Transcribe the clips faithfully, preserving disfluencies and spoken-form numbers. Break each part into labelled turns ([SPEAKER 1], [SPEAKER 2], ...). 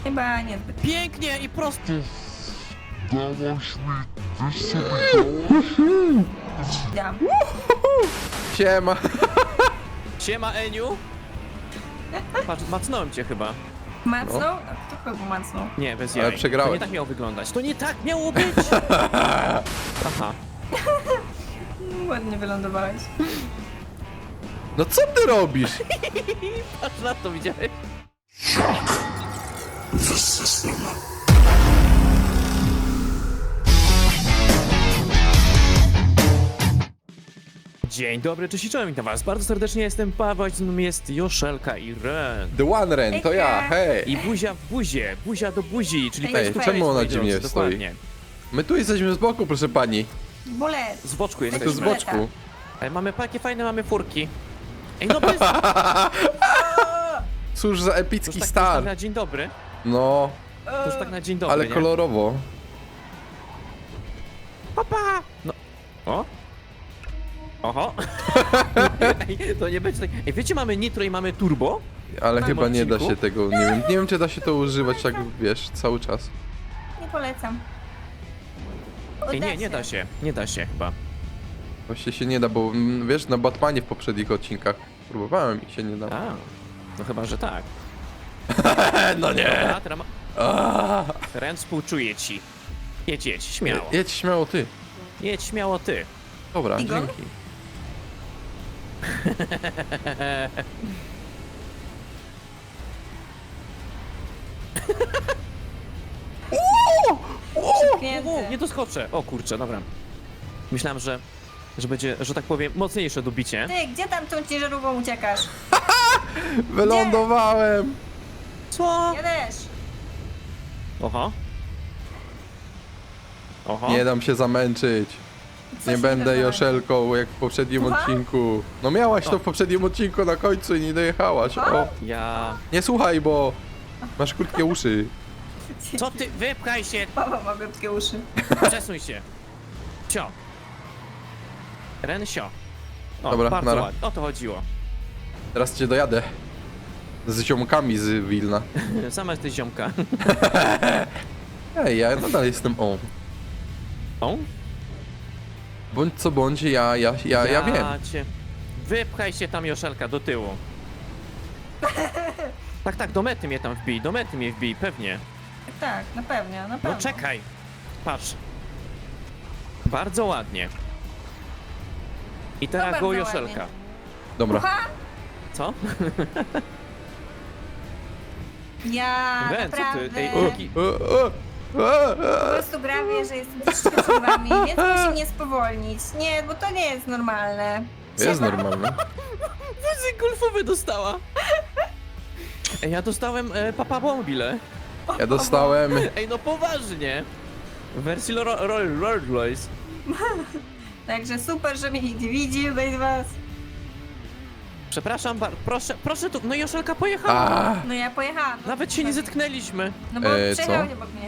[SPEAKER 1] Chyba niezbyt.
[SPEAKER 2] Pięknie i prosto.
[SPEAKER 3] Dałaś mi, wiesz co mi dałaś?
[SPEAKER 1] Dam.
[SPEAKER 4] Siema.
[SPEAKER 2] Siema, Eniu. Patrz, macnąłem cię chyba.
[SPEAKER 1] Macnął? No. Kto kogo macnął?
[SPEAKER 2] Nie, bez
[SPEAKER 4] Ale
[SPEAKER 2] jaj.
[SPEAKER 4] przegrałeś.
[SPEAKER 2] To nie tak miało wyglądać. To nie tak miało być. Aha.
[SPEAKER 1] Ładnie wylądowałeś.
[SPEAKER 4] No co ty robisz?
[SPEAKER 2] Patrz na to, widziałeś? Dzień dobry, cześć i czołem, witam was bardzo serdecznie, jestem Paweł, z nami jest Joszelka i Ren.
[SPEAKER 4] The One Ren, to ja, hej.
[SPEAKER 2] I buzia w buzie, buzia do buzi, czyli
[SPEAKER 1] Ej,
[SPEAKER 2] face to face,
[SPEAKER 4] czemu ona
[SPEAKER 2] moi
[SPEAKER 4] dziwnie
[SPEAKER 2] drodzy,
[SPEAKER 4] stoi?
[SPEAKER 2] dokładnie.
[SPEAKER 4] My tu jesteśmy z boku, proszę pani.
[SPEAKER 1] Bolet.
[SPEAKER 2] Z boczku
[SPEAKER 4] Tu
[SPEAKER 2] jesteśmy.
[SPEAKER 4] z boczku.
[SPEAKER 2] E, Mamy takie fajne, mamy furki. Ej, no bez...
[SPEAKER 4] Cóż za
[SPEAKER 2] To już
[SPEAKER 4] epicki
[SPEAKER 2] tak, to już tak
[SPEAKER 4] start.
[SPEAKER 2] na dzień dobry.
[SPEAKER 4] No,
[SPEAKER 2] To już tak na dzień dobry,
[SPEAKER 4] ale
[SPEAKER 2] nie?
[SPEAKER 4] kolorowo.
[SPEAKER 2] Opa! No. O? Oho. Ej, to nie będzie tak... Ej, wiecie, mamy nitro i mamy turbo?
[SPEAKER 4] Ale
[SPEAKER 2] Mam
[SPEAKER 4] chyba nie da
[SPEAKER 2] odcinku.
[SPEAKER 4] się tego, nie wiem, nie wiem czy da się to używać tak, wiesz, cały czas.
[SPEAKER 1] Nie polecam.
[SPEAKER 2] Ej,
[SPEAKER 1] Uda
[SPEAKER 2] nie, nie da się. Nie da się chyba.
[SPEAKER 4] Właśnie się nie da, bo mm, wiesz, na Batmanie w poprzednich odcinkach próbowałem i się nie da.
[SPEAKER 2] A, no chyba, że tak.
[SPEAKER 4] No nie!
[SPEAKER 2] Dobra, teraz ma... Ren, współczuję ci. Jedź, jedź, śmiało.
[SPEAKER 4] Jedź śmiało ty.
[SPEAKER 2] Jedź śmiało ty.
[SPEAKER 4] Dobra,
[SPEAKER 1] Tigon?
[SPEAKER 4] dzięki.
[SPEAKER 2] O,
[SPEAKER 1] Przytknięty.
[SPEAKER 2] nie doskoczę. O kurczę, dobra. Myślałem, że, że będzie, że tak powiem, mocniejsze dobicie.
[SPEAKER 1] Ty, gdzie tam tą ciężarówką uciekasz?
[SPEAKER 4] Wylądowałem!
[SPEAKER 2] Co?
[SPEAKER 1] Ja też.
[SPEAKER 2] Oho. Oho.
[SPEAKER 4] Nie dam się zamęczyć.
[SPEAKER 1] Co
[SPEAKER 4] Nie
[SPEAKER 1] się
[SPEAKER 4] będę
[SPEAKER 1] wydarzyło?
[SPEAKER 4] Joszelką jak w poprzednim
[SPEAKER 1] Słucham?
[SPEAKER 4] odcinku. No miałaś to w poprzednim odcinku na końcu i nie dojechałaś. O,
[SPEAKER 2] Ja...
[SPEAKER 4] nie słuchaj, bo masz krótkie uszy.
[SPEAKER 2] Co ty? Wypchaj się!
[SPEAKER 1] Paweł ma krótkie uszy.
[SPEAKER 2] Przesuń się. Sio. Ren, sio. O,
[SPEAKER 4] Dobra,
[SPEAKER 2] bardzo
[SPEAKER 4] nara.
[SPEAKER 2] ładnie. O to chodziło.
[SPEAKER 4] Teraz cię dojadę. Z ziomkami z Wilna.
[SPEAKER 2] Sama jesteś ziomka.
[SPEAKER 4] Ej, ja nadal jestem on.
[SPEAKER 2] O?
[SPEAKER 4] Bądź co bądź, ja, ja, ja, ja wiem.
[SPEAKER 2] Cię. Wypchaj się tam, Joszelka, do tyłu. Tak, tak, do mety mnie tam wbij, do mety mnie wbij, pewnie.
[SPEAKER 1] Tak, na pewno, na pewno.
[SPEAKER 2] No czekaj. Patrz. Bardzo ładnie. I teraz
[SPEAKER 1] bardzo
[SPEAKER 2] go Joszelka.
[SPEAKER 1] ładnie.
[SPEAKER 4] Dobra.
[SPEAKER 1] Ucha!
[SPEAKER 2] Co?
[SPEAKER 1] Ja
[SPEAKER 2] Ren, co ty?
[SPEAKER 1] naprawdę
[SPEAKER 2] Ej,
[SPEAKER 1] po
[SPEAKER 2] taki...
[SPEAKER 4] O, o, o, o.
[SPEAKER 1] prostu prawie, że jestem troszeczkę przed wami, więc musi mnie spowolnić. Nie, bo to nie jest normalne.
[SPEAKER 4] Jest
[SPEAKER 1] Trzeba-
[SPEAKER 4] normalne.
[SPEAKER 2] Wózek golfowy dostała. Ej, ja dostałem e, Papa Mobile.
[SPEAKER 4] Ja dostałem...
[SPEAKER 2] Ej, no poważnie. W wersji Ro- Ro- Rolls Royce.
[SPEAKER 1] Także super, że mnie nikt nie widzi tutaj z was.
[SPEAKER 2] Przepraszam, bar- proszę, proszę tu. No Joszelka pojechała.
[SPEAKER 4] A,
[SPEAKER 1] No ja pojechałam. No,
[SPEAKER 2] Nawet się nie zetknęliśmy.
[SPEAKER 1] No bo
[SPEAKER 4] E,
[SPEAKER 1] przejechał
[SPEAKER 4] co?
[SPEAKER 1] obok mnie.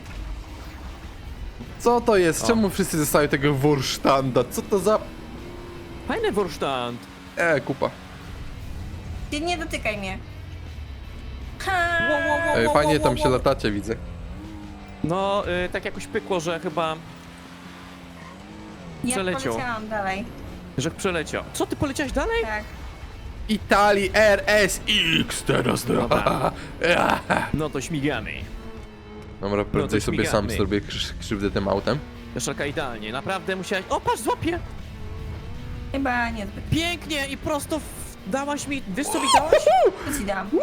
[SPEAKER 4] co to jest?
[SPEAKER 2] O.
[SPEAKER 4] Czemu wszyscy dostają tego Wursztanda? Co to za...
[SPEAKER 2] Fajny Wursztand.
[SPEAKER 4] E, kupa.
[SPEAKER 1] Ty nie dotykaj mnie. Ha!
[SPEAKER 2] Wow, wow, wow.
[SPEAKER 4] E, fajnie tam się latacie, widzę.
[SPEAKER 2] No, y, tak jakoś pykło, że chyba,
[SPEAKER 1] Ja
[SPEAKER 2] przeleciał.
[SPEAKER 1] poleciałam dalej.
[SPEAKER 2] że przeleciał. Co, ty poleciałeś dalej?
[SPEAKER 1] Tak.
[SPEAKER 4] Italii R S X teraz to.
[SPEAKER 2] Dobra. No to śmigamy.
[SPEAKER 4] Dobra, prędzej
[SPEAKER 2] to
[SPEAKER 4] sobie sam
[SPEAKER 2] śmigamy.
[SPEAKER 4] zrobię krz- krzywdę tym autem.
[SPEAKER 2] Joszelka idealnie, naprawdę musiałaś... O, patrz, złapię!
[SPEAKER 1] Chyba niezbyt.
[SPEAKER 2] Pięknie i prosto w... dałaś mi... Wiesz co mi dałaś?
[SPEAKER 1] Co ci dam?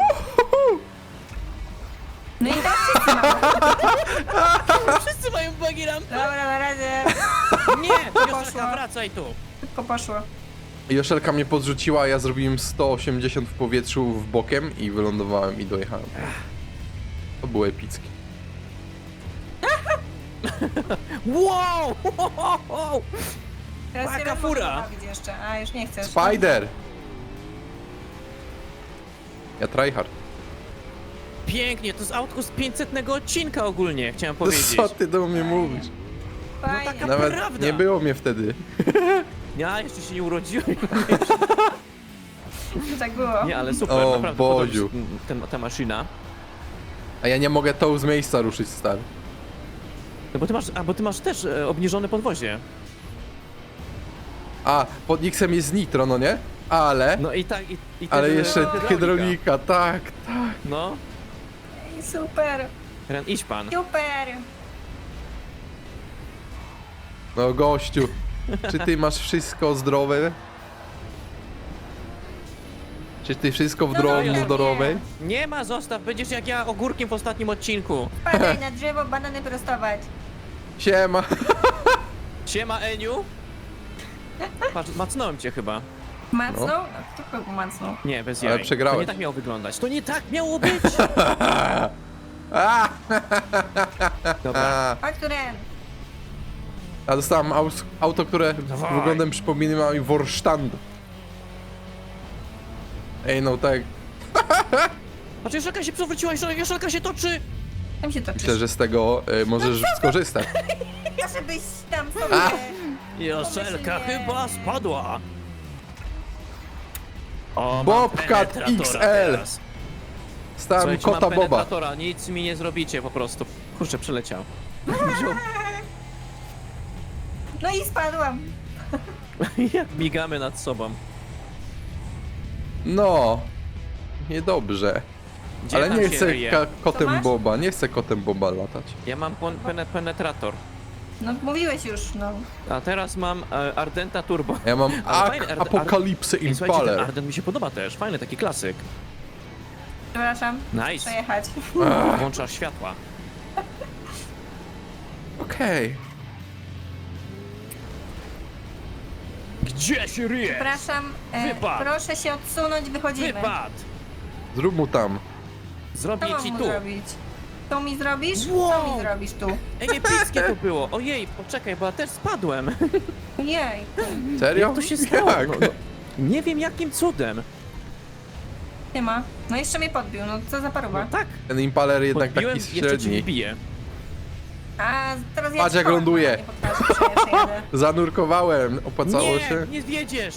[SPEAKER 1] No i tak wszyscy mamy.
[SPEAKER 2] Wszyscy mają buggy rampy.
[SPEAKER 1] Dobra, na razie.
[SPEAKER 2] Nie,
[SPEAKER 1] Poszła.
[SPEAKER 2] Joszelka, wracaj tu.
[SPEAKER 1] Szybko poszło.
[SPEAKER 4] Joszelka mnie podrzuciła, a ja zrobiłem sto osiemdziesiąt w powietrzu w bokiem i wylądowałem i dojechałem. To było epickie.
[SPEAKER 2] Wow! wow.
[SPEAKER 1] Teraz się
[SPEAKER 2] Taka
[SPEAKER 1] raz
[SPEAKER 2] fura.
[SPEAKER 1] można bawić jeszcze. A, już nie chcesz.
[SPEAKER 4] Spider! Ja tryhard.
[SPEAKER 2] Pięknie, to jest autko z pięćsetnego odcinka ogólnie, chciałem powiedzieć.
[SPEAKER 4] Co ty do mnie mówisz?
[SPEAKER 1] Fajnie.
[SPEAKER 2] taka-
[SPEAKER 4] Nawet
[SPEAKER 2] prawda.
[SPEAKER 4] nie było mnie wtedy.
[SPEAKER 2] Ja jeszcze się nie urodziłem.
[SPEAKER 1] Tak było.
[SPEAKER 2] Nie, ale super,
[SPEAKER 4] O,
[SPEAKER 2] naprawdę podoba mi
[SPEAKER 4] Boziu.
[SPEAKER 2] się ten, ta maszyna.
[SPEAKER 4] A ja nie mogę tą z miejsca ruszyć, stary.
[SPEAKER 2] No bo ty masz, a bo ty masz też e, obniżone podwozie.
[SPEAKER 4] A, pod X-em jest nitro, no nie? Ale...
[SPEAKER 2] No i tak, i, i
[SPEAKER 4] ale
[SPEAKER 2] też, e,
[SPEAKER 4] jeszcze
[SPEAKER 2] hydraulika.
[SPEAKER 4] hydraulika, tak, tak.
[SPEAKER 2] No,
[SPEAKER 1] Ej, super,
[SPEAKER 2] Ren, idź pan.
[SPEAKER 1] super.
[SPEAKER 4] No gościu, czy ty masz wszystko zdrowe? Czy ty wszystko w
[SPEAKER 1] No,
[SPEAKER 4] drodze
[SPEAKER 1] nie.
[SPEAKER 4] zdrowej?
[SPEAKER 2] Nie ma, zostaw, będziesz jak ja ogórkiem w ostatnim odcinku.
[SPEAKER 1] Padaj na drzewo, banany prostować.
[SPEAKER 4] Siema.
[SPEAKER 2] Siema, Eniu. Patrz, macnąłem cię chyba.
[SPEAKER 1] Macnął? No. Kto kogo macnął?
[SPEAKER 2] Nie, bez
[SPEAKER 4] Ale
[SPEAKER 2] jaj.
[SPEAKER 4] przegrałeś.
[SPEAKER 2] To nie tak miało wyglądać. To nie tak miało być!
[SPEAKER 4] A,
[SPEAKER 2] Dobra.
[SPEAKER 1] Chodź tu, Ren.
[SPEAKER 4] a dostałem aus, auto, które
[SPEAKER 2] Dawaj.
[SPEAKER 4] wyglądem przypomina mi Warstand. Ej, no tak.
[SPEAKER 2] Patrz, Joszelka się przewróciła, Joszelka się toczy!
[SPEAKER 1] Tam się toczysz.
[SPEAKER 4] Myślę, że z tego y, możesz skorzystać.
[SPEAKER 1] Ja żebyś tam sobie...
[SPEAKER 4] A.
[SPEAKER 2] Joszelka
[SPEAKER 1] Pomyślnie.
[SPEAKER 2] chyba spadła. O, mam
[SPEAKER 4] Bobcat
[SPEAKER 2] penetratora
[SPEAKER 4] X L.
[SPEAKER 2] teraz.
[SPEAKER 4] Stałem
[SPEAKER 2] Słuchajcie,
[SPEAKER 4] kota
[SPEAKER 2] mam
[SPEAKER 4] Boba.
[SPEAKER 2] penetratora, nic mi nie zrobicie po prostu. Kurczę, przeleciał. Wziął-
[SPEAKER 1] No i spadłam.
[SPEAKER 2] Jak migamy nad sobą.
[SPEAKER 4] No. Niedobrze.
[SPEAKER 2] Gdzie
[SPEAKER 4] Ale
[SPEAKER 2] tam
[SPEAKER 4] nie
[SPEAKER 2] się
[SPEAKER 4] chcę
[SPEAKER 2] ryje?
[SPEAKER 4] ka-
[SPEAKER 1] Co
[SPEAKER 4] kotem
[SPEAKER 1] masz?
[SPEAKER 4] Boba, nie chcę kotem Boba latać.
[SPEAKER 2] Ja mam pon- pene- penetrator.
[SPEAKER 1] No mówiłeś już, no.
[SPEAKER 2] A teraz mam e, Ardenta Turbo.
[SPEAKER 4] Ja mam
[SPEAKER 2] Ale
[SPEAKER 4] Ak
[SPEAKER 2] fajny, Ard-
[SPEAKER 4] Apokalipsy
[SPEAKER 2] Ej, słuchajcie, ten
[SPEAKER 4] Impaler.
[SPEAKER 2] Ardent mi się podoba też. Fajny, taki klasyk.
[SPEAKER 1] Przepraszam.
[SPEAKER 2] Nice.
[SPEAKER 1] Przejechać.
[SPEAKER 2] Włączasz światła.
[SPEAKER 4] Okej.
[SPEAKER 2] Gdzie się ryjesz?
[SPEAKER 1] Przepraszam. E,
[SPEAKER 2] Wypad.
[SPEAKER 1] proszę się odsunąć, wychodzimy.
[SPEAKER 2] Wypad!
[SPEAKER 4] Zrób mu tam.
[SPEAKER 1] Co
[SPEAKER 2] Zrobię
[SPEAKER 1] mam
[SPEAKER 2] ci
[SPEAKER 1] mu
[SPEAKER 2] tu.
[SPEAKER 1] zrobić? Co mi zrobisz? Co
[SPEAKER 2] Wow.
[SPEAKER 1] mi zrobisz tu?
[SPEAKER 2] Ej, epickie to było. Ojej, poczekaj, bo ja też spadłem.
[SPEAKER 1] Jej.
[SPEAKER 4] Serio?
[SPEAKER 2] Jak to się stało?
[SPEAKER 4] Jak?
[SPEAKER 2] No, no, nie wiem jakim cudem.
[SPEAKER 1] Nie ma. No jeszcze mnie podbił, no co za
[SPEAKER 2] No
[SPEAKER 1] paruwa.
[SPEAKER 2] tak,
[SPEAKER 4] Ten Impaler jednak
[SPEAKER 2] podbiłem,
[SPEAKER 4] taki
[SPEAKER 2] jeszcze cię
[SPEAKER 4] średni.
[SPEAKER 2] wbiję.
[SPEAKER 1] A teraz ja
[SPEAKER 4] Patrz,
[SPEAKER 1] ci
[SPEAKER 4] jak
[SPEAKER 1] kołem,
[SPEAKER 4] ląduje.
[SPEAKER 1] Nie pokażę, przejadę, przejadę.
[SPEAKER 4] Zanurkowałem, opłacało
[SPEAKER 2] Nie,
[SPEAKER 4] się.
[SPEAKER 2] nie zwiedziesz.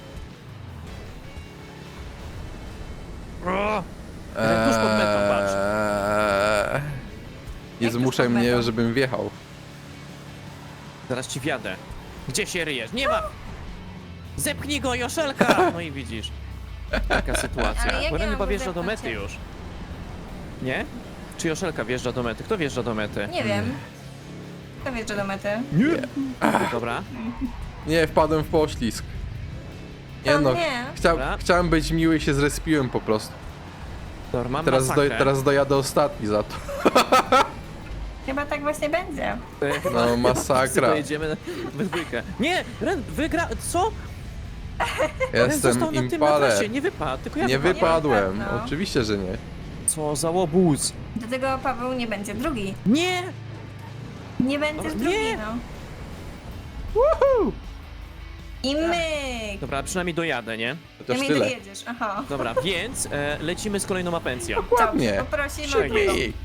[SPEAKER 2] O, Ren, tuż pod metą, patrz.
[SPEAKER 4] Eee, Nie
[SPEAKER 1] Jak tuż
[SPEAKER 4] zmuszaj
[SPEAKER 1] pod
[SPEAKER 4] mnie,
[SPEAKER 1] metą?
[SPEAKER 4] żebym wjechał.
[SPEAKER 2] Zaraz ci wjadę. Gdzie się ryjesz? Nie ma! Zepchnij go, Joszelka! No i widzisz. Taka sytuacja.
[SPEAKER 1] Ale jak
[SPEAKER 2] Bo
[SPEAKER 1] ja
[SPEAKER 2] Ren
[SPEAKER 1] mam
[SPEAKER 2] chyba
[SPEAKER 1] go
[SPEAKER 2] wjeżdża do
[SPEAKER 1] zepchnąć,
[SPEAKER 2] mety
[SPEAKER 1] jak-
[SPEAKER 2] już. Nie? Czy Joszelka wjeżdża do mety? Kto wjeżdża do mety?
[SPEAKER 1] Nie wiem. Kto wjeżdża do mety?
[SPEAKER 2] Nie! Dobra.
[SPEAKER 4] Nie, wpadłem w poślizg. Nie
[SPEAKER 1] To
[SPEAKER 4] no,
[SPEAKER 1] nie.
[SPEAKER 4] chcia,
[SPEAKER 2] Dobra.
[SPEAKER 4] chciałem być miły i się zrespiłem po prostu.
[SPEAKER 2] Dobra, mam
[SPEAKER 4] Teraz, do,
[SPEAKER 2] masakrę.
[SPEAKER 4] teraz dojadę ostatni za to.
[SPEAKER 1] Chyba tak właśnie będzie.
[SPEAKER 2] E,
[SPEAKER 4] No masakra.
[SPEAKER 2] Pojedziemy we dwójkę. Nie! Ren, wygra... Co? Ren
[SPEAKER 4] Jestem
[SPEAKER 2] został na tym na
[SPEAKER 4] Impaler.
[SPEAKER 2] trasie, nie wypadł, tylko ja
[SPEAKER 4] Nie
[SPEAKER 2] wypadłem.
[SPEAKER 4] wypadłem,
[SPEAKER 1] Nie wypadł, no.
[SPEAKER 4] oczywiście, że nie.
[SPEAKER 2] Co za łobuz.
[SPEAKER 1] Do tego Paweł nie będzie drugi.
[SPEAKER 2] Nie!
[SPEAKER 1] Nie będziesz
[SPEAKER 2] O,
[SPEAKER 1] drugi,
[SPEAKER 2] nie.
[SPEAKER 1] no.
[SPEAKER 4] Woohoo!
[SPEAKER 1] I myk!
[SPEAKER 2] Dobra, przynajmniej dojadę, nie?
[SPEAKER 1] Ja
[SPEAKER 4] Chociaż
[SPEAKER 1] mnie
[SPEAKER 4] tyle.
[SPEAKER 1] dojedziesz, aha.
[SPEAKER 2] Dobra, więc e, lecimy z kolejną apencją.
[SPEAKER 4] Ładnie.
[SPEAKER 1] Dobrze, poprosimy o
[SPEAKER 2] Czekaj.
[SPEAKER 1] drugą.
[SPEAKER 4] Ej,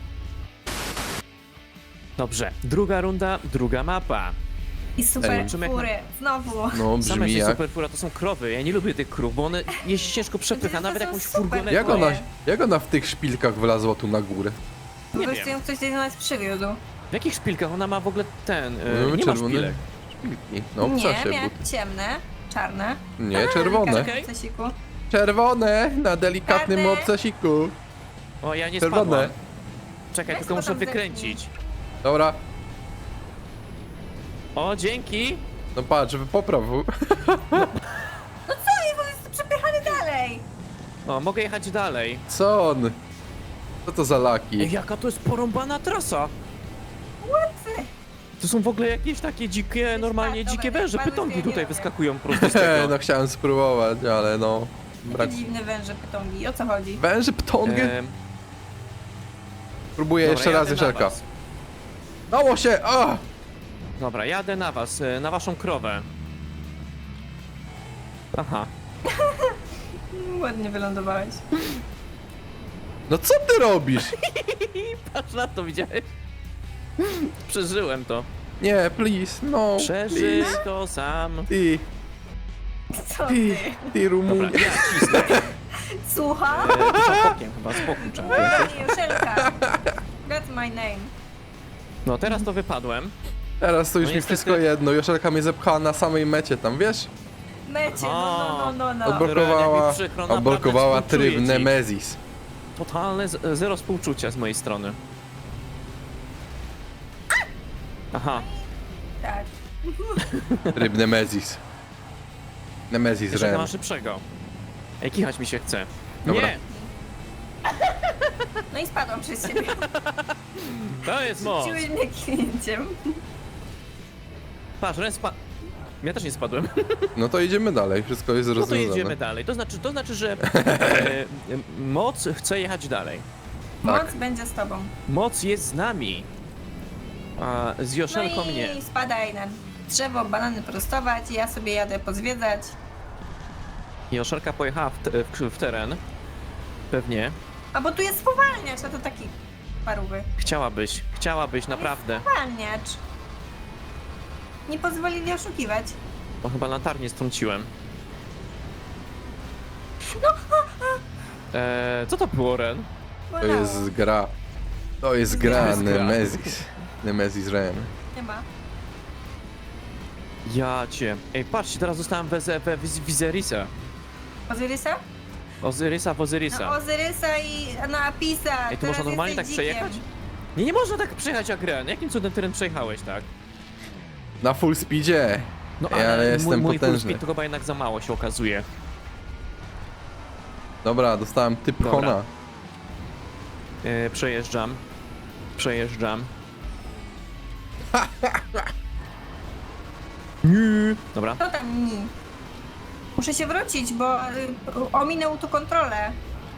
[SPEAKER 2] Dobrze, druga runda, druga mapa.
[SPEAKER 1] I super
[SPEAKER 2] Zobaczymy, jak
[SPEAKER 1] fury. Znowu.
[SPEAKER 4] No
[SPEAKER 2] Same
[SPEAKER 4] brzmi
[SPEAKER 2] się
[SPEAKER 4] jak...
[SPEAKER 2] superfura to są krowy, ja nie lubię tych krów, bo one je się ciężko przepycha,
[SPEAKER 1] To
[SPEAKER 2] nawet
[SPEAKER 1] są
[SPEAKER 2] jakąś
[SPEAKER 1] super
[SPEAKER 2] furgonetką.
[SPEAKER 4] Jak ona,
[SPEAKER 1] Dziękuję.
[SPEAKER 4] jak ona w tych szpilkach wylazła tu na górę?
[SPEAKER 1] Po
[SPEAKER 2] Nie
[SPEAKER 1] prostu
[SPEAKER 2] wiem.
[SPEAKER 1] ją ktoś do nas przywiózł.
[SPEAKER 2] W jakich szpilkach ona ma w ogóle ten, e,
[SPEAKER 4] No,
[SPEAKER 2] nie ma
[SPEAKER 4] czerwone
[SPEAKER 2] szpilek.
[SPEAKER 4] Szpilki. No w
[SPEAKER 1] nie,
[SPEAKER 4] czasie
[SPEAKER 1] miała
[SPEAKER 4] buty.
[SPEAKER 1] ciemne, czarne.
[SPEAKER 4] Nie, czerwone.
[SPEAKER 2] Czekaj.
[SPEAKER 1] W cesiku.
[SPEAKER 4] Czerwone na delikatnym
[SPEAKER 1] Czarne.
[SPEAKER 4] obcasiku.
[SPEAKER 2] O, ja nie
[SPEAKER 4] Czerwone.
[SPEAKER 2] spadłam. Czekaj,
[SPEAKER 1] Weź
[SPEAKER 2] tylko
[SPEAKER 1] go
[SPEAKER 2] muszę
[SPEAKER 1] tam
[SPEAKER 2] wykręcić.
[SPEAKER 4] Dobra,
[SPEAKER 2] O, dzięki.
[SPEAKER 4] no patrz, popraw.
[SPEAKER 1] No co, jest po prostu przepychany dalej.
[SPEAKER 2] O, mogę jechać dalej.
[SPEAKER 4] Co on? Co to za
[SPEAKER 2] Ej,
[SPEAKER 4] laki?
[SPEAKER 2] jaka to jest porąbana trasa.
[SPEAKER 1] What?
[SPEAKER 2] To są w ogóle jakieś takie dzikie, normalnie
[SPEAKER 1] tak,
[SPEAKER 2] dzikie
[SPEAKER 1] dobra,
[SPEAKER 2] węże,
[SPEAKER 1] bardzo
[SPEAKER 2] pytongi
[SPEAKER 1] nie
[SPEAKER 2] tutaj
[SPEAKER 1] robię.
[SPEAKER 2] wyskakują prosto z tego.
[SPEAKER 4] No chciałem spróbować, ale no... Brak...
[SPEAKER 1] Takie dziwne węże pytongi, o co chodzi?
[SPEAKER 4] Węży ptągę?
[SPEAKER 2] Em,
[SPEAKER 4] Próbuję
[SPEAKER 2] dobra,
[SPEAKER 4] jeszcze raz,
[SPEAKER 2] jadę na
[SPEAKER 4] Joszelka.
[SPEAKER 2] was.
[SPEAKER 4] Dało się! A!
[SPEAKER 2] Dobra, jadę na was, e, na waszą krowę. Aha.
[SPEAKER 1] Ładnie wylądowałeś.
[SPEAKER 4] No co ty robisz?
[SPEAKER 2] Patrz na to, widziałeś? Przeżyłem to.
[SPEAKER 4] Nie, please, no.
[SPEAKER 2] Przeżyj
[SPEAKER 4] please.
[SPEAKER 2] to sam.
[SPEAKER 4] Ty,
[SPEAKER 1] Co
[SPEAKER 4] ty,
[SPEAKER 1] ty?
[SPEAKER 4] ty
[SPEAKER 2] Dobra,
[SPEAKER 4] Rumunie.
[SPEAKER 2] ja cisnę.
[SPEAKER 1] Słucham?
[SPEAKER 2] E, za bokiem chyba, z boku trzeba
[SPEAKER 1] Ej,
[SPEAKER 2] jechać.
[SPEAKER 1] Joszelka. my name.
[SPEAKER 2] No teraz to wypadłem.
[SPEAKER 4] Teraz to już
[SPEAKER 2] No
[SPEAKER 4] mi
[SPEAKER 2] niestety-
[SPEAKER 4] wszystko jedno. Joszelka mnie zepchała na samej mecie tam, wiesz?
[SPEAKER 1] Mecie, no, no, no, no, no.
[SPEAKER 2] Odbro-
[SPEAKER 4] Odblokowała,
[SPEAKER 2] jak mi przykro, naprawdę
[SPEAKER 4] odblokowała
[SPEAKER 2] współczuję
[SPEAKER 4] tryb
[SPEAKER 2] ci.
[SPEAKER 4] Nemesis.
[SPEAKER 2] Totalne z- zero współczucia z mojej strony. Aha,
[SPEAKER 1] Tak.
[SPEAKER 4] Tryb Nemesis. Nemesis
[SPEAKER 2] jeszcze
[SPEAKER 4] Ren.
[SPEAKER 2] ma szybszego. Ej, kichać mi się chce.
[SPEAKER 4] Dobra.
[SPEAKER 2] Nie,
[SPEAKER 1] No i spadłam przez ciebie.
[SPEAKER 2] to jest moc.
[SPEAKER 1] Rzuciłeś mnie klinciem.
[SPEAKER 2] Patrz, Ren spadł. Ja też nie spadłem.
[SPEAKER 4] No to idziemy dalej, wszystko jest
[SPEAKER 2] No to
[SPEAKER 4] rozwiązane.
[SPEAKER 2] jedziemy dalej. To znaczy, to znaczy, że e, e, moc chce jechać dalej.
[SPEAKER 1] Moc
[SPEAKER 4] Tak.
[SPEAKER 1] będzie z tobą.
[SPEAKER 2] Moc jest z nami. A z Joszelką
[SPEAKER 1] no i
[SPEAKER 2] nie.
[SPEAKER 1] spadaj na drzewo, banany prostować, ja sobie jadę pozwiedzać.
[SPEAKER 2] Joszelka pojechała w, te, w, w teren. Pewnie.
[SPEAKER 1] A bo tu jest spowalniacz, a to taki parówy.
[SPEAKER 2] Chciałabyś, chciałabyś, naprawdę.
[SPEAKER 1] Spowalniacz. Nie pozwolili oszukiwać.
[SPEAKER 2] Bo chyba latarnię strąciłem.
[SPEAKER 1] No,
[SPEAKER 2] Eee, co to było, Ren?
[SPEAKER 4] To
[SPEAKER 1] bolało.
[SPEAKER 4] jest gra. To jest
[SPEAKER 1] To
[SPEAKER 4] gra
[SPEAKER 2] jest gra.
[SPEAKER 4] Nemesis. Nemesis Ren.
[SPEAKER 1] Nie ma.
[SPEAKER 2] Ja cię. Ej, patrzcie, teraz dostałem we, we Wizerisa.
[SPEAKER 1] Ozyrysa?
[SPEAKER 2] Ozyrysa w Ozyrysa.
[SPEAKER 1] No Ozyrysa i no Apisa.
[SPEAKER 2] Ej, to
[SPEAKER 1] teraz
[SPEAKER 2] można normalnie tak
[SPEAKER 1] jesteś dzikiem.
[SPEAKER 2] przejechać? Nie, nie można tak przejechać jak Ren. Jakim cudem teren przejechałeś, tak?
[SPEAKER 4] Na full speedzie.
[SPEAKER 2] No
[SPEAKER 4] Ej, ale
[SPEAKER 2] mój,
[SPEAKER 4] jestem
[SPEAKER 2] mój full
[SPEAKER 4] potężny.
[SPEAKER 2] speed to chyba jednak za mało się okazuje.
[SPEAKER 4] Dobra, dostałem typ
[SPEAKER 2] Dobra.
[SPEAKER 4] Hona.
[SPEAKER 2] E, przejeżdżam. Przejeżdżam. Nie. Dobra.
[SPEAKER 1] Co tam mi? Muszę się wrócić, bo y, ominął tu kontrolę.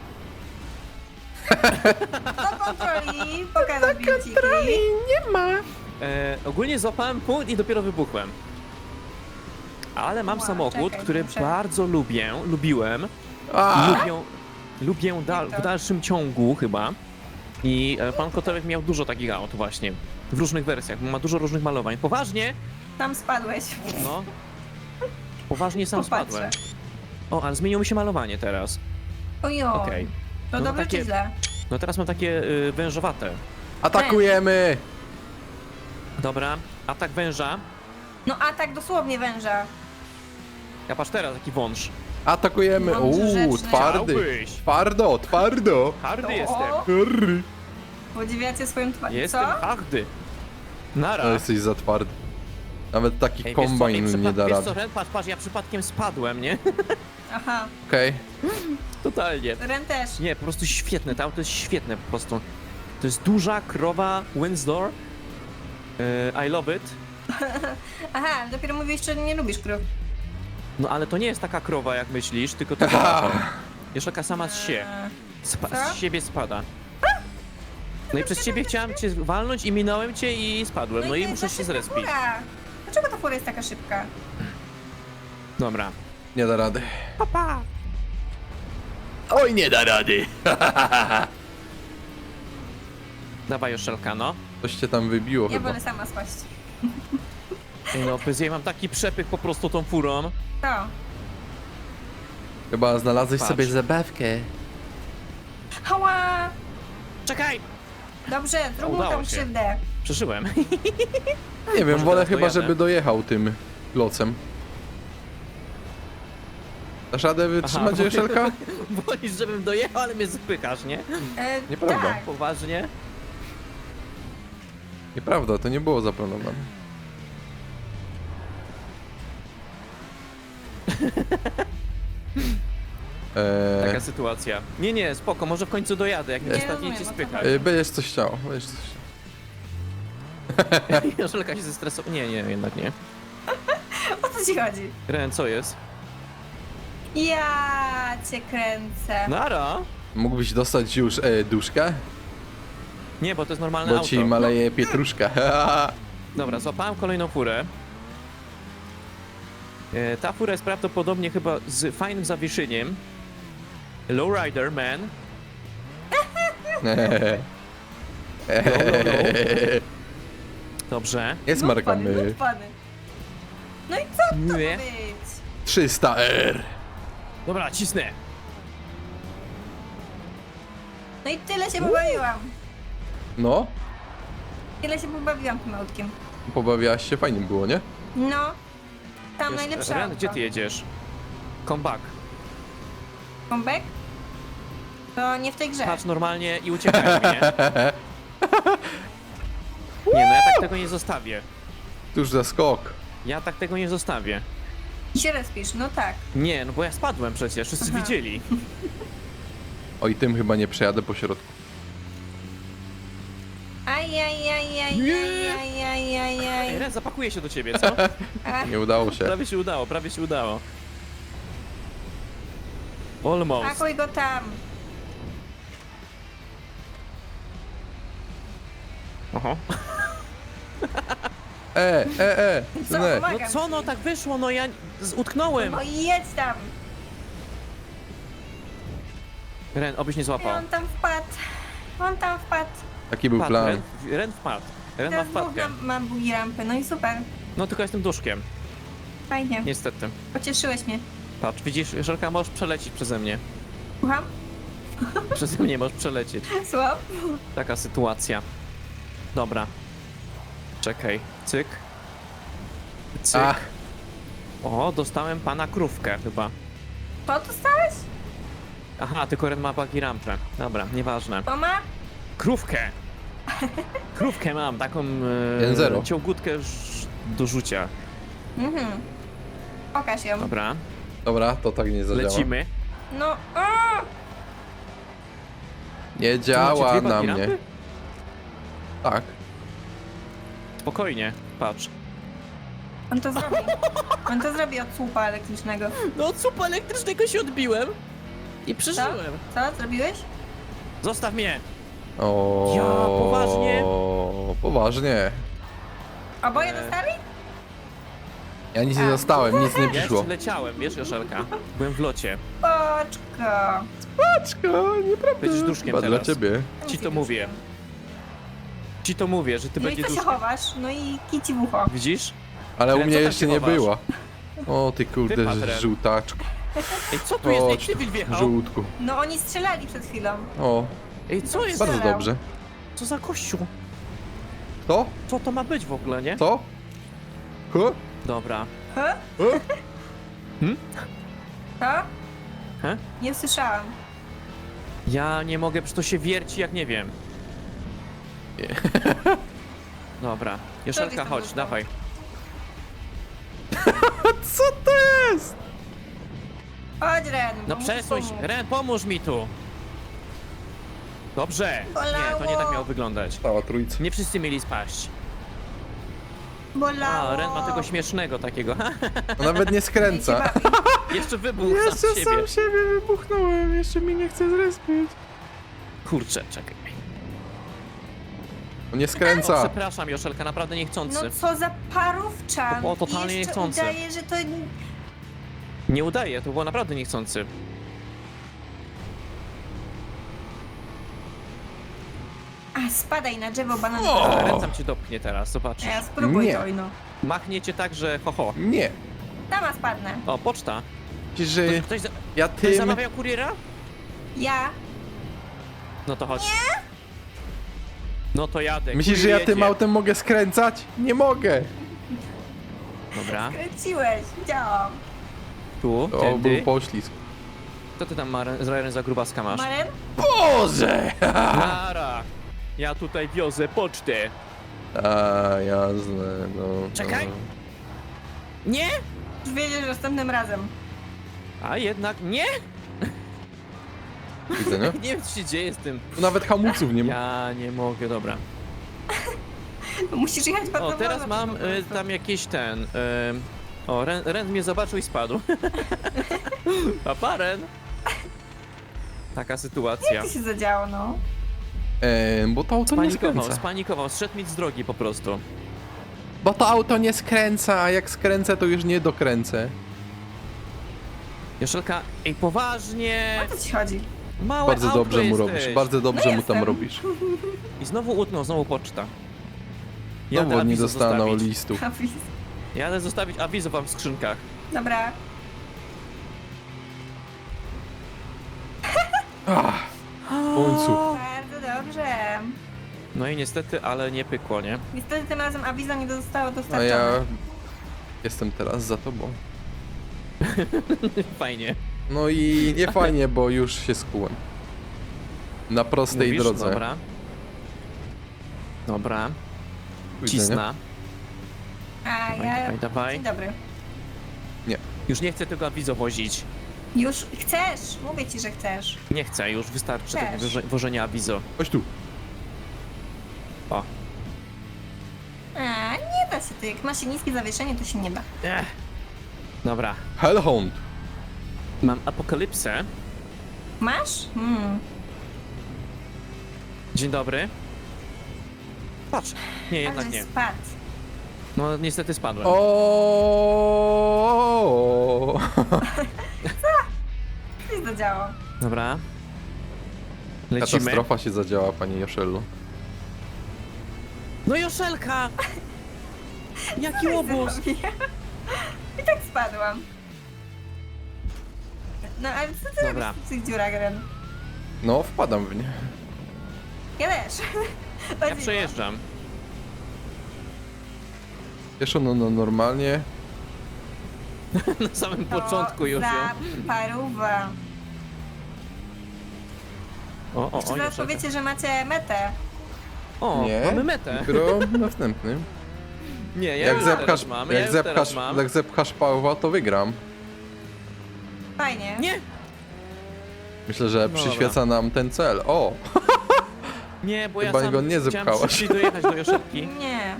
[SPEAKER 1] Do kontroli, pokażę bileciki.
[SPEAKER 4] nie ma.
[SPEAKER 2] E, ogólnie złapałem punkt i dopiero wybuchłem. Ale mam
[SPEAKER 1] Ła,
[SPEAKER 2] samochód,
[SPEAKER 1] czekaj,
[SPEAKER 2] który
[SPEAKER 1] muszę-
[SPEAKER 2] bardzo lubię, lubiłem.
[SPEAKER 4] A,
[SPEAKER 2] Lubię, lubię dal, w dalszym ciągu chyba. I e, pan Kotelek miał dużo takich aut właśnie. W różnych wersjach, bo ma dużo różnych malowań. Poważnie?
[SPEAKER 1] Tam spadłeś.
[SPEAKER 2] No. Poważnie sam
[SPEAKER 1] Popatrzę.
[SPEAKER 2] spadłem. O, ale zmieniło mi się malowanie teraz.
[SPEAKER 1] Ojo.
[SPEAKER 2] Okej.
[SPEAKER 1] To
[SPEAKER 2] No
[SPEAKER 1] dobrze
[SPEAKER 2] takie-
[SPEAKER 1] czy źle?
[SPEAKER 2] No teraz mam takie y, wężowate.
[SPEAKER 4] atakujemy.
[SPEAKER 2] Dobra, atak węża.
[SPEAKER 1] No a tak dosłownie węża.
[SPEAKER 2] Ja patrz teraz, taki wąż.
[SPEAKER 4] Atakujemy.
[SPEAKER 1] Mądry,
[SPEAKER 4] Uuu,
[SPEAKER 1] rzeczny.
[SPEAKER 4] twardy.
[SPEAKER 2] Chciałbyś.
[SPEAKER 4] Twardo, twardo.
[SPEAKER 2] Hardy
[SPEAKER 1] O.
[SPEAKER 2] jestem.
[SPEAKER 4] Rry.
[SPEAKER 1] Podziwiacie swoją twarz.
[SPEAKER 2] Jestem
[SPEAKER 1] Co?
[SPEAKER 2] hardy. Nara.
[SPEAKER 4] No jesteś za twardy. Nawet taki
[SPEAKER 2] Ej, wiesz co, ej,
[SPEAKER 4] kombajn nie
[SPEAKER 2] przypad-
[SPEAKER 4] da
[SPEAKER 2] wiesz
[SPEAKER 4] rady.
[SPEAKER 2] co, Ren, patrz, patrz, ja przypadkiem spadłem, nie?
[SPEAKER 1] Aha.
[SPEAKER 4] Okej.
[SPEAKER 2] Totalnie.
[SPEAKER 1] Ren też.
[SPEAKER 2] Nie, po prostu świetne, to auto jest świetne po prostu. To jest duża krowa Windsor. Yy, I love it.
[SPEAKER 1] Aha, dopiero mówiłeś, że nie lubisz krów.
[SPEAKER 2] No ale to nie jest taka krowa jak myślisz, tylko to jest taka sama z się.
[SPEAKER 1] Eee,
[SPEAKER 2] Spa
[SPEAKER 1] Co?
[SPEAKER 2] z siebie spada. No i przez ciebie chciałem cię walnąć i minąłem cię i spadłem. No i
[SPEAKER 1] to
[SPEAKER 2] muszę
[SPEAKER 1] jest
[SPEAKER 2] się
[SPEAKER 1] za szybka
[SPEAKER 2] zrespić.
[SPEAKER 1] fura. Dlaczego ta fura jest taka szybka?
[SPEAKER 2] Dobra.
[SPEAKER 4] Nie da rady.
[SPEAKER 2] Papa.
[SPEAKER 4] Oj, nie da rady.
[SPEAKER 2] Dawaj Joszelka, no.
[SPEAKER 4] Coś cię tam wybiło
[SPEAKER 1] Ja
[SPEAKER 4] chyba.
[SPEAKER 1] wolę sama spaść.
[SPEAKER 2] Ej, no, bez jej mam taki przepych po prostu tą furą.
[SPEAKER 1] To.
[SPEAKER 4] Chyba znalazłeś
[SPEAKER 2] Patrz.
[SPEAKER 4] sobie zabawkę.
[SPEAKER 1] Hała!
[SPEAKER 2] Czekaj!
[SPEAKER 1] Dobrze, zrób mu
[SPEAKER 2] Udało
[SPEAKER 1] tam
[SPEAKER 2] się.
[SPEAKER 1] krzywdę.
[SPEAKER 2] Przeżyłem.
[SPEAKER 4] Nie wiem,
[SPEAKER 2] Może
[SPEAKER 4] wolę
[SPEAKER 2] teraz
[SPEAKER 4] chyba,
[SPEAKER 2] dojadę.
[SPEAKER 4] żeby dojechał tym klocem. Dasz radę wytrzymać,
[SPEAKER 2] bo-
[SPEAKER 4] Joszelka?
[SPEAKER 2] Wolisz, żebym dojechał, ale mnie zapychasz, nie?
[SPEAKER 1] E,
[SPEAKER 4] Nieprawda.
[SPEAKER 1] Tak.
[SPEAKER 2] Poważnie?
[SPEAKER 4] Nieprawda, to nie było zaplanowane.
[SPEAKER 2] Taka
[SPEAKER 4] Eee,
[SPEAKER 2] sytuacja. Nie, nie, spoko, może w końcu dojadę, jak mnie
[SPEAKER 1] Nie
[SPEAKER 2] ostatnio
[SPEAKER 1] rozumiem,
[SPEAKER 2] cię
[SPEAKER 1] o co
[SPEAKER 2] spychać.
[SPEAKER 1] chodzi.
[SPEAKER 4] e, będziesz coś chciał, będziesz coś chciał.
[SPEAKER 2] Joszelka się zestresowała. Nie, nie, jednak nie.
[SPEAKER 1] O co ci chodzi?
[SPEAKER 2] Ren, co jest?
[SPEAKER 1] Ja cię kręcę.
[SPEAKER 2] Nara?
[SPEAKER 4] Mógłbyś dostać już e, duszkę?
[SPEAKER 2] Nie, bo to jest normalne
[SPEAKER 4] Bo
[SPEAKER 2] auto.
[SPEAKER 4] ci maleje pietruszka.
[SPEAKER 2] Dobra, złapałem kolejną furę. E, ta fura jest prawdopodobnie chyba z fajnym zawieszeniem. Lowrider, man. Dobrze.
[SPEAKER 4] Jest
[SPEAKER 1] No
[SPEAKER 4] marka
[SPEAKER 1] pany,
[SPEAKER 4] my.
[SPEAKER 1] no pany. No i co to ma
[SPEAKER 2] Nie.
[SPEAKER 1] być?
[SPEAKER 4] trzysta R.
[SPEAKER 2] Dobra, cisnę.
[SPEAKER 1] No i tyle się pobawiłam.
[SPEAKER 4] No,
[SPEAKER 1] Tyle się pobawiłam tym autkiem.
[SPEAKER 4] Pobawiałaś się, fajnie było, nie?
[SPEAKER 1] No, tam
[SPEAKER 2] Wiesz,
[SPEAKER 1] najlepsze
[SPEAKER 2] Ren,
[SPEAKER 1] auto.
[SPEAKER 2] gdzie ty jedziesz? Come back.
[SPEAKER 1] Comeback? To nie w tej grze.
[SPEAKER 2] Patrz normalnie i uciekaj, nie? Nie, no ja tak tego nie zostawię.
[SPEAKER 4] Tuż za skok.
[SPEAKER 2] Ja tak tego nie zostawię.
[SPEAKER 1] I się respisz, no tak.
[SPEAKER 2] Nie, no bo ja spadłem przecież, wszyscy
[SPEAKER 1] Aha.
[SPEAKER 2] widzieli.
[SPEAKER 4] Oj, tym chyba nie przejadę po środku.
[SPEAKER 1] Aj, aj, aj, aj,
[SPEAKER 2] Nie.
[SPEAKER 1] aj, aj, aj, aj,
[SPEAKER 2] Ej,
[SPEAKER 1] aj.
[SPEAKER 2] Ren, zapakuję się do ciebie, co?
[SPEAKER 1] A,
[SPEAKER 4] Nie udało się.
[SPEAKER 2] Prawie się udało, prawie się udało. Almost.
[SPEAKER 1] pakuj go tam.
[SPEAKER 2] Oho.
[SPEAKER 4] E, e, e,
[SPEAKER 1] Co,
[SPEAKER 4] synek.
[SPEAKER 1] pomagam
[SPEAKER 2] No co,
[SPEAKER 1] ci.
[SPEAKER 2] no tak wyszło, no ja z- utknąłem.
[SPEAKER 1] No i jedź tam.
[SPEAKER 2] Ren, obyś nie
[SPEAKER 1] I
[SPEAKER 2] złapał.
[SPEAKER 1] on tam wpadł. On tam wpadł.
[SPEAKER 4] Taki był
[SPEAKER 2] Wpadł,
[SPEAKER 4] plan.
[SPEAKER 2] Ren, Ren wpadł. Ren ma
[SPEAKER 1] Teraz dwóch
[SPEAKER 2] wpadkę.
[SPEAKER 1] mam, mam bugi rampy, no i super.
[SPEAKER 2] No tylko jestem duszkiem,
[SPEAKER 1] Fajnie.
[SPEAKER 2] niestety.
[SPEAKER 1] Pocieszyłeś mnie.
[SPEAKER 2] Patrz, widzisz, Żelka, możesz przelecieć przeze mnie.
[SPEAKER 1] Słucham?
[SPEAKER 2] Przeze mnie możesz przelecieć.
[SPEAKER 1] Słucham?
[SPEAKER 2] Taka sytuacja. Dobra. Czekaj. Cyk. Cyk.
[SPEAKER 4] Ach,
[SPEAKER 2] O, dostałem pana krówkę chyba.
[SPEAKER 1] To dostałeś?
[SPEAKER 2] Aha, tylko Ren ma bagi rampę. Dobra, nieważne.
[SPEAKER 1] To ma?
[SPEAKER 2] Krówkę! Krówkę mam, taką
[SPEAKER 4] jeden zero.
[SPEAKER 2] e, ciągutkę ż- do rzucia.
[SPEAKER 1] Mhm. Pokaż ją.
[SPEAKER 2] Dobra,
[SPEAKER 4] dobra, to tak nie zadziała.
[SPEAKER 2] lecimy.
[SPEAKER 1] No, o!
[SPEAKER 4] Nie
[SPEAKER 2] Tu macie
[SPEAKER 4] działa
[SPEAKER 2] dwie
[SPEAKER 4] na
[SPEAKER 2] bagi
[SPEAKER 4] mnie.
[SPEAKER 2] rampy?
[SPEAKER 4] Tak.
[SPEAKER 2] Spokojnie, patrz.
[SPEAKER 1] On to zrobi. On to zrobi od słupa elektrycznego.
[SPEAKER 2] No od słupa elektrycznego się odbiłem i przeżyłem.
[SPEAKER 1] Co? Zrobiłeś?
[SPEAKER 2] Zostaw mnie!
[SPEAKER 4] O,
[SPEAKER 2] Ja, poważnie?
[SPEAKER 4] Poważnie.
[SPEAKER 1] Oboje
[SPEAKER 2] E.
[SPEAKER 1] dostali?
[SPEAKER 4] Ja nic nie
[SPEAKER 1] A.
[SPEAKER 4] dostałem, nic nie
[SPEAKER 2] Ja
[SPEAKER 4] przyszło.
[SPEAKER 2] jeszcze leciałem, wiesz, Joszelka? Byłem w locie.
[SPEAKER 1] Poczko.
[SPEAKER 4] Paczko, nieprawda.
[SPEAKER 2] Będziesz duszkiem
[SPEAKER 4] Chyba
[SPEAKER 2] teraz.
[SPEAKER 4] dla ciebie.
[SPEAKER 2] Ci to mówię. Ci to mówię, że ty
[SPEAKER 1] No i
[SPEAKER 2] będziesz
[SPEAKER 1] co się
[SPEAKER 2] duszkiem.
[SPEAKER 1] chowasz? No i kici w ucho.
[SPEAKER 2] Widzisz?
[SPEAKER 4] Ale u
[SPEAKER 2] Ren,
[SPEAKER 4] mnie
[SPEAKER 2] co tam
[SPEAKER 4] jeszcze
[SPEAKER 2] się
[SPEAKER 4] nie
[SPEAKER 2] chowasz?
[SPEAKER 4] była. O ty kurde,
[SPEAKER 2] Wypadł, Ren.
[SPEAKER 4] żółtaczku.
[SPEAKER 2] Ej, co tu jest? Ej,
[SPEAKER 4] Chodź tu,
[SPEAKER 2] cywil wjechał.
[SPEAKER 4] żółtku.
[SPEAKER 1] No oni strzelali przed chwilą.
[SPEAKER 4] O,
[SPEAKER 2] Ej, co jest?
[SPEAKER 4] bardzo
[SPEAKER 1] Strzelał.
[SPEAKER 4] dobrze.
[SPEAKER 2] Co za kościół?
[SPEAKER 4] To?
[SPEAKER 2] Co to ma być w ogóle, nie?
[SPEAKER 4] Co? Huh?
[SPEAKER 2] Dobra.
[SPEAKER 1] He?
[SPEAKER 4] Huh?
[SPEAKER 1] Co?
[SPEAKER 2] He?
[SPEAKER 1] Nie słyszałam.
[SPEAKER 2] Ja nie mogę, przecież to się wierci jak nie wiem.
[SPEAKER 4] Nie.
[SPEAKER 2] Dobra. Joszelka,
[SPEAKER 1] tam
[SPEAKER 2] chodź,
[SPEAKER 1] zostało?
[SPEAKER 2] dawaj.
[SPEAKER 4] Co to jest?
[SPEAKER 1] Chodź Ren.
[SPEAKER 2] No
[SPEAKER 1] bo
[SPEAKER 2] przesuń
[SPEAKER 1] muszę
[SPEAKER 2] się.
[SPEAKER 1] pomóc.
[SPEAKER 2] Ren, pomóż mi tu. Dobrze. Nie, to nie tak miało wyglądać.
[SPEAKER 4] Cała trójca.
[SPEAKER 2] Nie wszyscy mieli spaść.
[SPEAKER 1] Bolało.
[SPEAKER 2] A, Ren ma tego śmiesznego takiego.
[SPEAKER 4] To nawet nie skręca.
[SPEAKER 2] Jeszcze wybuchł sam z siebie.
[SPEAKER 4] siebie wybuchnąłem, jeszcze mi nie chce zrespić.
[SPEAKER 2] Kurczę, czekaj.
[SPEAKER 4] On nie
[SPEAKER 2] O,
[SPEAKER 4] skręca.
[SPEAKER 2] przepraszam, Joszelka, naprawdę niechcący.
[SPEAKER 1] No co za parówczan.
[SPEAKER 2] To było totalnie
[SPEAKER 1] I jeszcze
[SPEAKER 2] niechcące.
[SPEAKER 1] udaje, że to...
[SPEAKER 2] Nie udaje, to było naprawdę niechcący.
[SPEAKER 1] A, spadaj na drzewo bananowe.
[SPEAKER 4] O!
[SPEAKER 2] A, Ren tam cię dopchnie teraz, zobaczysz.
[SPEAKER 1] A ja spróbuj
[SPEAKER 4] Nie.
[SPEAKER 1] to, no.
[SPEAKER 2] Machnie cię tak, że ho ho.
[SPEAKER 4] Nie.
[SPEAKER 1] Tama spadnę.
[SPEAKER 2] O, poczta.
[SPEAKER 4] Myślisz, że
[SPEAKER 2] Ktoś, za...
[SPEAKER 4] ja
[SPEAKER 2] Ktoś
[SPEAKER 4] tym...
[SPEAKER 2] zamawiał kuriera?
[SPEAKER 1] Ja?
[SPEAKER 2] No to chodź. No to jadę.
[SPEAKER 4] Myślisz, że
[SPEAKER 2] kurier
[SPEAKER 4] ja tym
[SPEAKER 2] jedzie.
[SPEAKER 4] autem mogę skręcać? Nie mogę.
[SPEAKER 2] Dobra,
[SPEAKER 1] Kręciłeś, widziałam.
[SPEAKER 2] tu,
[SPEAKER 4] O,
[SPEAKER 2] tędy.
[SPEAKER 4] był poślizg.
[SPEAKER 2] Co ty tam, Maren, z Raren za grubaska masz?
[SPEAKER 1] Maren?
[SPEAKER 4] Boże!
[SPEAKER 2] Nara! Ja tutaj wiozę pocztę.
[SPEAKER 4] A, jasne, no.
[SPEAKER 2] Czekaj.
[SPEAKER 4] No.
[SPEAKER 2] Nie?
[SPEAKER 1] Już wiedziesz następnym razem.
[SPEAKER 2] A jednak nie?
[SPEAKER 4] Widzę, nie?
[SPEAKER 2] Nie wiem, co się dzieje z tym.
[SPEAKER 4] Tu nawet hamulców nie ma.
[SPEAKER 2] Ja nie mogę, dobra.
[SPEAKER 1] Musisz jechać bardzo
[SPEAKER 2] O, teraz
[SPEAKER 1] wolno,
[SPEAKER 2] mam
[SPEAKER 1] po
[SPEAKER 2] y,
[SPEAKER 1] prostu.
[SPEAKER 2] tam jakiś ten... Y, o, Ren, Ren mnie zobaczył i spadł. Papa, Ren. Taka sytuacja.
[SPEAKER 1] Co się zadziało, no?
[SPEAKER 4] E, bo to auto nie
[SPEAKER 2] Spanikował,
[SPEAKER 4] skręca.
[SPEAKER 2] spanikował, zszedł mi z drogi po prostu.
[SPEAKER 4] Bo to auto nie skręca, a jak skręcę, to już nie dokręcę.
[SPEAKER 2] Joszelka, ej, poważnie!
[SPEAKER 1] O co ci chodzi?
[SPEAKER 2] Małe
[SPEAKER 4] Bardzo
[SPEAKER 2] autko
[SPEAKER 4] dobrze mu
[SPEAKER 2] jesteś.
[SPEAKER 4] robisz, bardzo dobrze
[SPEAKER 1] No
[SPEAKER 4] mu tam
[SPEAKER 1] jestem.
[SPEAKER 4] robisz.
[SPEAKER 2] I znowu utknął, znowu poczta. Jadę
[SPEAKER 4] Znowu nie
[SPEAKER 2] awizo
[SPEAKER 4] dostaną
[SPEAKER 2] zostawić.
[SPEAKER 4] listu.
[SPEAKER 1] Hafiz.
[SPEAKER 2] Jadę zostawić awizo wam w skrzynkach.
[SPEAKER 1] Dobra.
[SPEAKER 4] Ach, w końcu.
[SPEAKER 1] Bardzo dobrze.
[SPEAKER 2] No i niestety, ale nie pykło, nie?
[SPEAKER 1] Niestety tym razem awizo nie zostało
[SPEAKER 4] A
[SPEAKER 1] dostarczone.
[SPEAKER 4] ja jestem teraz za tobą.
[SPEAKER 2] Fajnie.
[SPEAKER 4] No i nie fajnie, bo już się skułem. Na prostej
[SPEAKER 2] Mówisz?
[SPEAKER 4] drodze.
[SPEAKER 2] Dobra. Dobra.
[SPEAKER 4] Widzenia.
[SPEAKER 2] Cisna.
[SPEAKER 1] A
[SPEAKER 2] Dawaj,
[SPEAKER 1] ja...
[SPEAKER 2] dawaj, dawaj.
[SPEAKER 1] Dzień dobry.
[SPEAKER 2] Już nie chcę tego awizo wozić.
[SPEAKER 1] Już chcesz, mówię ci, że chcesz.
[SPEAKER 2] Nie chcę, już wystarczy
[SPEAKER 1] Też.
[SPEAKER 2] tego woże- wożenia awizo.
[SPEAKER 4] Chodź tu.
[SPEAKER 2] O.
[SPEAKER 1] A, nie da się to, jak ma się niskie zawieszenie, to się nie da.
[SPEAKER 2] Ech. Dobra.
[SPEAKER 4] Hellhound.
[SPEAKER 2] Mam apokalipsę.
[SPEAKER 1] Masz? Hmm.
[SPEAKER 2] Dzień dobry. Patrz. Nie, jednak
[SPEAKER 1] Ale
[SPEAKER 2] nie.
[SPEAKER 1] spadł.
[SPEAKER 2] No niestety spadłem.
[SPEAKER 4] O.
[SPEAKER 1] Co się zadziało?
[SPEAKER 2] Dobra. Lecimy.
[SPEAKER 4] Katastrofa się zadziała, panie Joszello.
[SPEAKER 2] No Joszelka! Jaki łobuz!
[SPEAKER 1] I tak spadłam. No ale co ty
[SPEAKER 2] Dobra.
[SPEAKER 1] robisz w tych dziurach, Ren?
[SPEAKER 4] No, wpadam w nie.
[SPEAKER 1] Ja też.
[SPEAKER 2] Ja przejeżdżam.
[SPEAKER 4] Wiesz, no, no normalnie.
[SPEAKER 2] Na samym
[SPEAKER 1] To
[SPEAKER 2] początku już.
[SPEAKER 1] za
[SPEAKER 2] ją-
[SPEAKER 1] paruwa.
[SPEAKER 2] O, o,
[SPEAKER 1] Jeszcze
[SPEAKER 2] o,
[SPEAKER 1] zaraz
[SPEAKER 2] Joszelka.
[SPEAKER 1] powiecie, że macie metę.
[SPEAKER 2] O,
[SPEAKER 4] Nie.
[SPEAKER 2] mamy metę.
[SPEAKER 4] Dopiero następnym.
[SPEAKER 2] Nie, ja
[SPEAKER 4] Jak
[SPEAKER 2] już
[SPEAKER 4] zepchasz,
[SPEAKER 2] teraz mam, ja
[SPEAKER 4] jak
[SPEAKER 2] już teraz
[SPEAKER 4] zepchasz,
[SPEAKER 2] mam.
[SPEAKER 4] jak zepchasz Pawła, to wygram.
[SPEAKER 1] Fajnie.
[SPEAKER 2] Nie,
[SPEAKER 4] Myślę, że
[SPEAKER 2] Dobra.
[SPEAKER 4] przyświeca nam ten cel. O!
[SPEAKER 2] nie, bo ja
[SPEAKER 4] Chyba
[SPEAKER 2] sam
[SPEAKER 4] go nie
[SPEAKER 2] chciałem
[SPEAKER 4] zepchałaś.
[SPEAKER 2] szybciej dojechać do Joszelki.
[SPEAKER 1] Nie.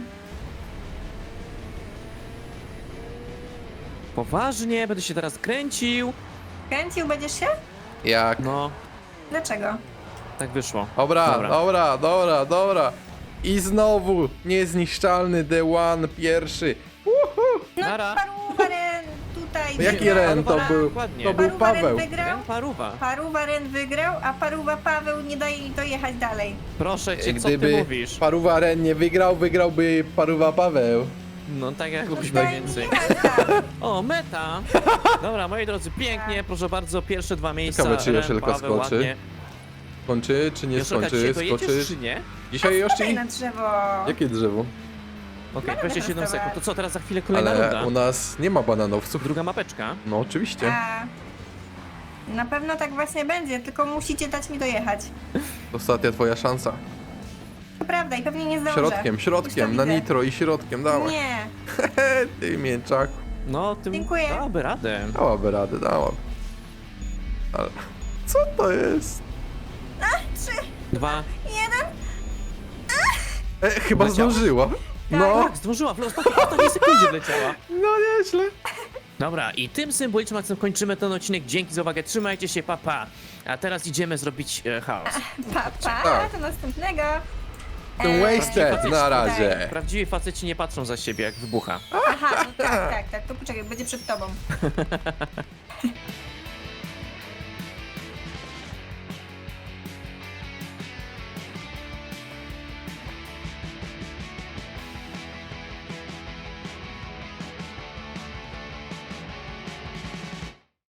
[SPEAKER 2] Poważnie, będę się teraz kręcił.
[SPEAKER 1] Kręcił będziesz się?
[SPEAKER 4] Jak?
[SPEAKER 2] No,
[SPEAKER 1] Dlaczego?
[SPEAKER 2] tak wyszło.
[SPEAKER 4] Dobra,
[SPEAKER 2] Dobra.
[SPEAKER 4] dobra, dobra, dobra. I znowu niezniszczalny The One pierwszy. Uhu.
[SPEAKER 1] No
[SPEAKER 2] Nara.
[SPEAKER 1] paruwa Ren tutaj
[SPEAKER 4] Jaki
[SPEAKER 1] wygrał.
[SPEAKER 4] Ren to
[SPEAKER 2] Paruwa,
[SPEAKER 4] był?
[SPEAKER 2] dokładnie.
[SPEAKER 4] To był
[SPEAKER 1] Paruwa Ren
[SPEAKER 4] Paweł.
[SPEAKER 1] wygrał,
[SPEAKER 2] Ren Paruwa.
[SPEAKER 1] paruwa Ren wygrał, a paruwa Paweł nie daje jej dojechać dalej.
[SPEAKER 2] Proszę cię, co ty
[SPEAKER 4] Gdyby
[SPEAKER 2] mówisz?
[SPEAKER 4] Paruwa Ren nie wygrał, wygrałby Paruwa Paweł.
[SPEAKER 2] No tak jak lubisz
[SPEAKER 1] Daj
[SPEAKER 2] mniej
[SPEAKER 1] mi
[SPEAKER 2] więcej.
[SPEAKER 1] jechać tam.
[SPEAKER 2] O, meta! Dobra, moi drodzy, pięknie, proszę bardzo, pierwsze dwa miejsca.
[SPEAKER 4] Ciekawe, czy
[SPEAKER 2] Ren,
[SPEAKER 4] Joszelka
[SPEAKER 2] Paweł,
[SPEAKER 4] skoczy.
[SPEAKER 2] ładnie.
[SPEAKER 4] Skończy czy nie
[SPEAKER 2] Joszelka,
[SPEAKER 4] skończy?
[SPEAKER 2] dzisiaj dojedziesz,
[SPEAKER 4] Skoczy.
[SPEAKER 2] czy nie?
[SPEAKER 4] Dzisiaj
[SPEAKER 1] Spadaj
[SPEAKER 4] Yoshi?
[SPEAKER 1] na drzewo.
[SPEAKER 4] Jakie drzewo?
[SPEAKER 2] Okej,
[SPEAKER 1] Banany
[SPEAKER 2] dwadzieścia siedem
[SPEAKER 1] prostowe.
[SPEAKER 2] sekund. To co, teraz za chwilę kolejna
[SPEAKER 4] Ale
[SPEAKER 2] runda?
[SPEAKER 4] u nas nie ma bananowców.
[SPEAKER 2] Druga mapeczka.
[SPEAKER 4] No oczywiście.
[SPEAKER 1] A, na pewno tak właśnie będzie, tylko musicie dać mi dojechać.
[SPEAKER 4] Ostatnia twoja szansa.
[SPEAKER 1] To prawda i pewnie nie zdążę.
[SPEAKER 4] Środkiem,
[SPEAKER 1] Już
[SPEAKER 4] środkiem,
[SPEAKER 1] to
[SPEAKER 4] na
[SPEAKER 1] widzę.
[SPEAKER 4] nitro i środkiem, dawaj.
[SPEAKER 1] Nie.
[SPEAKER 4] Ty mięczak.
[SPEAKER 2] No, tym
[SPEAKER 1] Dziękuję.
[SPEAKER 2] dałaby radę.
[SPEAKER 4] Dałaby radę, dałaby. Ale co to jest?
[SPEAKER 1] Trzy,
[SPEAKER 2] Dwa.
[SPEAKER 1] jeden.
[SPEAKER 4] E, chyba
[SPEAKER 2] Wleciała?
[SPEAKER 4] zdążyła. No,
[SPEAKER 2] Tak, zdążyła, w ostatniej, w ostatniej sekundzie wleciała.
[SPEAKER 4] no nieźle.
[SPEAKER 2] Dobra, i tym symbolicznym akcentem kończymy ten odcinek. Dzięki za uwagę, trzymajcie się, papa. Pa. A teraz idziemy zrobić e, chaos.
[SPEAKER 1] Pa, pa,
[SPEAKER 4] Tak.
[SPEAKER 1] do następnego.
[SPEAKER 4] Ten
[SPEAKER 1] Eee,
[SPEAKER 4] wasted na razie.
[SPEAKER 2] Prawdziwi faceci nie patrzą za siebie, jak wybucha.
[SPEAKER 1] Aha, no tak, tak, tak, to poczekaj, będzie przed tobą.